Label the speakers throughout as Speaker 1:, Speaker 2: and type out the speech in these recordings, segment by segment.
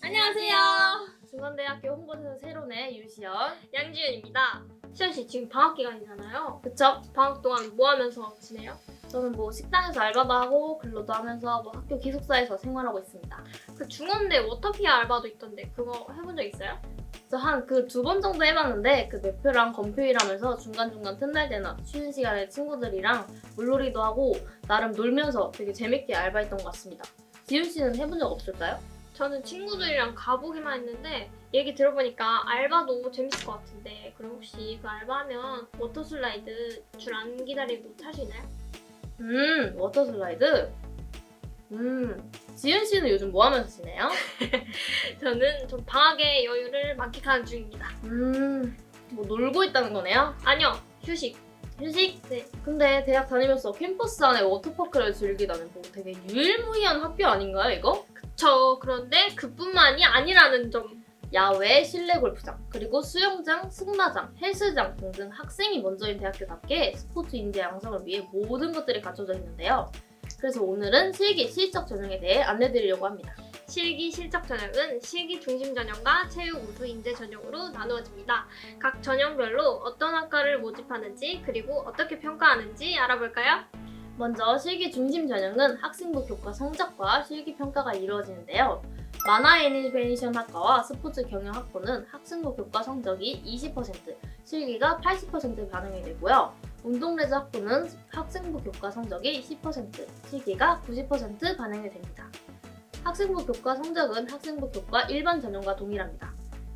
Speaker 1: 안녕하세요.
Speaker 2: 중간대학교 홍보대사 새로내 유시연.
Speaker 1: 양지윤입니다. 시연씨 지금 방학 기간이잖아요. 그쵸? 방학 동안 뭐 하면서 지내요?
Speaker 2: 저는 뭐 식당에서 알바도 하고 근로도 하면서 뭐 학교 기숙사에서 생활하고 있습니다.
Speaker 1: 그 중원대 워터피아 알바도 있던데 그거 해본 적 있어요?
Speaker 2: 저 한 그 2번 정도 해봤는데 그 매표랑 검표 일하면서 중간중간 틈날 때나 쉬는 시간에 친구들이랑 물놀이도 하고 나름 놀면서 되게 재밌게 알바했던 것 같습니다. 지윤 씨는 해본 적 없을까요?
Speaker 1: 저는 친구들이랑 가보기만 했는데 얘기 들어보니까 알바도 재밌을 것 같은데 그럼 혹시 그 알바하면 워터슬라이드 줄 안 기다리고 탈 수 있나요?
Speaker 2: 워터슬라이드? 지윤 씨는 요즘 뭐 하면서 지내요?
Speaker 1: 저는 좀 방학의 여유를 만끽하는 중입니다.
Speaker 2: 뭐 놀고 있다는 거네요?
Speaker 1: 아니요, 휴식.
Speaker 2: 휴식?
Speaker 1: 네.
Speaker 2: 근데 대학 다니면서 캠퍼스 안에 워터파크를 즐기다는 뭐 되게 유일무이한 학교 아닌가요, 이거?
Speaker 1: 그런데 그뿐만이 아니라는 점.
Speaker 2: 야외, 실내 골프장, 그리고 수영장, 승마장, 헬스장 등등 학생이 먼저인 대학교답게 스포츠 인재 양성을 위해 모든 것들이 갖춰져 있는데요. 그래서 오늘은 실기, 실적 전형에 대해 안내드리려고 합니다.
Speaker 1: 실기 실적 전형은 실기 중심 전형과 체육 우수 인재 전형으로 나누어집니다. 각 전형별로 어떤 학과를 모집하는지 그리고 어떻게 평가하는지 알아볼까요?
Speaker 2: 먼저 실기 중심 전형은 학생부 교과 성적과 실기 평가가 이루어지는데요. 만화 애니메이션 학과와 스포츠 경영 학부는 학생부 교과 성적이 20%, 실기가 80% 반영이 되고요. 운동레저 학부는 학생부 교과 성적이 10%, 실기가 90% 반영이 됩니다. 학생부 교과 성적은 학생부 교과 일반 전형과 동일합니다.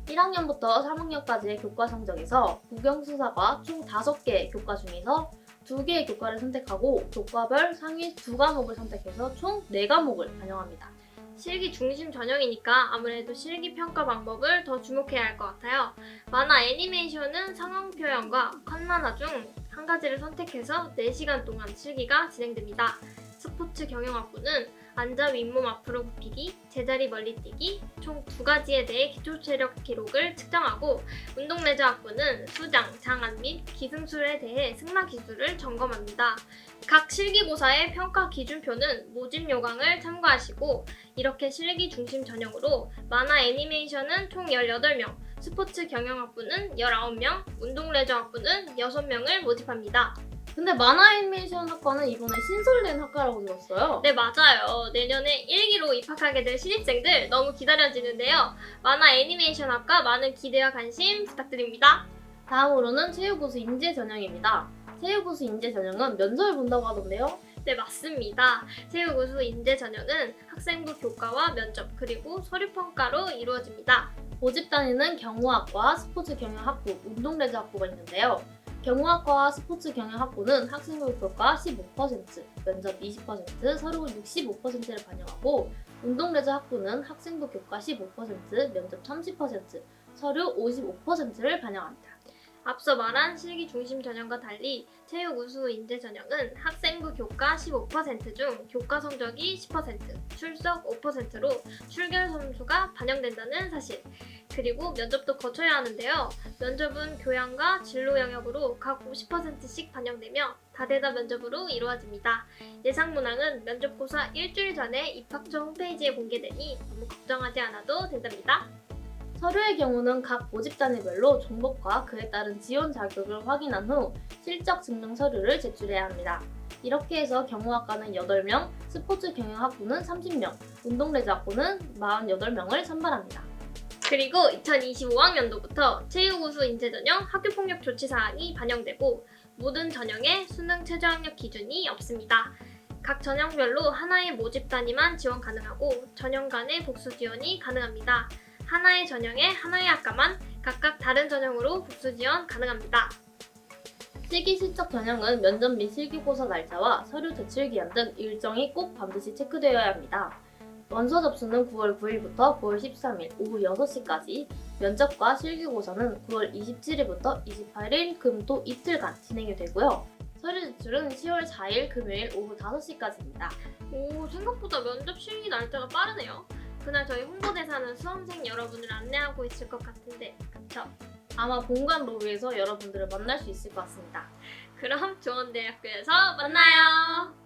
Speaker 2: 1학년부터 3학년까지의 교과 성적에서 국영수사과 총 5개의 교과 중에서 2개의 교과를 선택하고 교과별 상위 2과목을 선택해서 총 4과목을 반영합니다.
Speaker 1: 실기 중심 전형이니까 아무래도 실기 평가 방법을 더 주목해야 할 것 같아요. 만화 애니메이션은 상황 표현과 컷만화 중 한 가지를 선택해서 4시간 동안 실기가 진행됩니다. 스포츠 경영학부는 앉아 윗몸 앞으로 굽히기, 제자리 멀리 뛰기 총 2가지에 대해 기초 체력 기록을 측정하고 운동레저 학부는 수장, 장안 및 기승술에 대해 승마 기술을 점검합니다. 각 실기고사의 평가 기준표는 모집 요강을 참고하시고 이렇게 실기 중심 전형으로 만화 애니메이션은 총 18명, 스포츠 경영학부는 19명, 운동레저 학부는 6명을 모집합니다.
Speaker 2: 근데 만화 애니메이션 학과는 이번에 신설된 학과라고 들었어요.
Speaker 1: 네, 맞아요. 내년에 1기로 입학하게 될 신입생들 너무 기다려지는데요. 만화 애니메이션 학과 많은 기대와 관심 부탁드립니다.
Speaker 2: 다음으로는 체육고수 인재 전형입니다. 체육고수 인재 전형은 면접을 본다고 하던데요.
Speaker 1: 네, 맞습니다. 체육우수 인재 전형은 학생부 교과와 면접 그리고 서류평가로 이루어집니다.
Speaker 2: 모집 단위는 경호학과, 스포츠 경영학부, 운동레저 학부가 있는데요. 경호학과와 스포츠 경영학부는 학생부 교과 15%, 면접 20%, 서류 65%를 반영하고 운동레저 학부는 학생부 교과 15%, 면접 30%, 서류 55%를 반영합니다.
Speaker 1: 앞서 말한 실기 중심 전형과 달리 체육 우수 인재 전형은 학생부 교과 15% 중 교과 성적이 10%, 출석 5%로 출결 점수가 반영된다는 사실. 그리고 면접도 거쳐야 하는데요. 면접은 교양과 진로 영역으로 각 50%씩 반영되며 다대다 면접으로 이루어집니다. 예상 문항은 면접고사 일주일 전에 입학처 홈페이지에 공개되니 너무 걱정하지 않아도 된답니다.
Speaker 2: 서류의 경우는 각 모집 단위별로 종목과 그에 따른 지원 자격을 확인한 후 실적 증명 서류를 제출해야 합니다. 이렇게 해서 경호학과는 8명, 스포츠 경영학부는 30명, 운동레저 학부는 48명을 선발합니다.
Speaker 1: 그리고 2025학년도부터 체육우수 인재전형 학교폭력 조치 사항이 반영되고 모든 전형에 수능 최저학력 기준이 없습니다. 각 전형별로 하나의 모집 단위만 지원 가능하고 전형 간의 복수 지원이 가능합니다. 하나의 전형에 하나의 학과만 각각 다른 전형으로 복수 지원 가능합니다.
Speaker 2: 실기 실적 전형은 면접 및 실기고사 날짜와 서류 제출 기한 등 일정이 꼭 반드시 체크되어야 합니다. 원서 접수는 9월 9일부터 9월 13일 오후 6시까지, 면접과 실기고사는 9월 27일부터 28일 금토 이틀간 진행이 되고요. 서류 제출은 10월 4일 금요일 오후 5시까지입니다.
Speaker 1: 오, 생각보다 면접 실기 날짜가 빠르네요. 그날 저희 홍보대사는 수험생 여러분을 안내하고 있을 것 같은데, 그쵸?
Speaker 2: 아마 본관 로비에서 여러분들을 만날 수 있을 것 같습니다.
Speaker 1: 그럼 중원대학교에서 만나요.